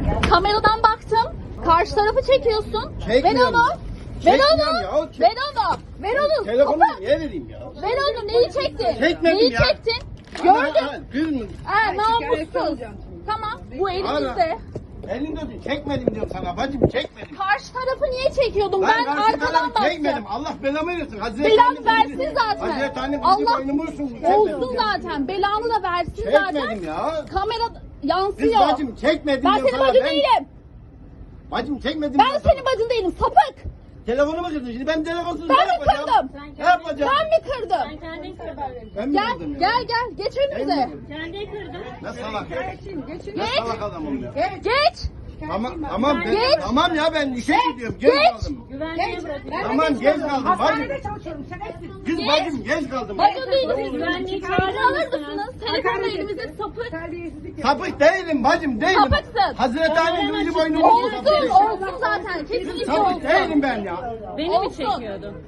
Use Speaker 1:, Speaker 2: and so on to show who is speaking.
Speaker 1: Kameradan baktım. Karşı tarafı çekiyorsun. Ver
Speaker 2: Çekmiyorum.
Speaker 1: onu. Ver
Speaker 2: Çekmiyorum
Speaker 1: onu.
Speaker 2: ya, çek-
Speaker 1: Ver onu. Ver onu.
Speaker 2: Telefonu
Speaker 1: Sapık.
Speaker 2: niye vereyim ya?
Speaker 1: Ver onu. Neyi çektin?
Speaker 2: Çekmedim
Speaker 1: Neyi
Speaker 2: ya.
Speaker 1: çektin? Gördüm.
Speaker 2: Kız mı?
Speaker 1: Namussuz. Tamam. Bu elimizde.
Speaker 2: Elinde dur. Çekmedim diyorum sana bacım, çekmedim.
Speaker 1: Karşı tarafı niye çekiyordum? Ben
Speaker 2: karşı
Speaker 1: arkadan
Speaker 2: tarafı
Speaker 1: baktım.
Speaker 2: çekmedim. Allah belamı versin. Hazreti
Speaker 1: Belanı
Speaker 2: Annem
Speaker 1: versin
Speaker 2: bizi-
Speaker 1: zaten.
Speaker 2: Hazreti Annem bizi
Speaker 1: Allah
Speaker 2: boynumu vursun.
Speaker 1: olsun zaten. Belanı da versin zaten.
Speaker 2: Çekmedim ya.
Speaker 1: Kamera
Speaker 2: Kız
Speaker 1: yansıyor.
Speaker 2: bacım çekmedim
Speaker 1: Ben
Speaker 2: diyorum
Speaker 1: senin
Speaker 2: sana.
Speaker 1: bacın değilim.
Speaker 2: Bacım çekmedim.
Speaker 1: Ben
Speaker 2: diyorum
Speaker 1: senin
Speaker 2: sana.
Speaker 1: bacın değilim. Sapık.
Speaker 2: Telefonumu kırdın şimdi. Ben telefonsuz
Speaker 1: Ben
Speaker 2: ne
Speaker 1: mi
Speaker 2: yapacağım?
Speaker 1: kırdım?
Speaker 2: Ne yapacağım?
Speaker 1: Ben mi kırdım?
Speaker 3: Kendin kırdın.
Speaker 2: Ben mi
Speaker 1: Gel
Speaker 2: kırdım ya?
Speaker 1: gel geç önümüze.
Speaker 3: Kendin kırdın.
Speaker 2: Ne salak ya. Ne
Speaker 1: Geç.
Speaker 2: salak adamım ya.
Speaker 1: Geç.
Speaker 2: Tamam
Speaker 1: Geç.
Speaker 2: tamam ya ben işe gidiyorum. Geç
Speaker 1: Geç.
Speaker 2: kaldım.
Speaker 3: Güvenliğe bırakın.
Speaker 2: Tamam geç kaldım bacım.
Speaker 4: Hastanede çalışıyorum. Şerefsiz.
Speaker 2: Kız bacım geç kaldım.
Speaker 1: Bacın değiliz.
Speaker 3: Güvenliği
Speaker 1: Çağrı
Speaker 3: çağırır
Speaker 1: alır
Speaker 3: mısınız?
Speaker 1: mısınız? Telefonu elimizde sapık.
Speaker 4: Terbiyesizlik.
Speaker 2: Sapık değilim bacım değilim.
Speaker 1: Sapıksın.
Speaker 2: Hazreti Annem bizi boynumu vursun.
Speaker 1: Olsun olsun zaten. Kesinlikle
Speaker 2: Sapık
Speaker 1: olsun.
Speaker 2: değilim ben ya.
Speaker 3: Beni mi
Speaker 1: Olsun.
Speaker 3: çekiyordun?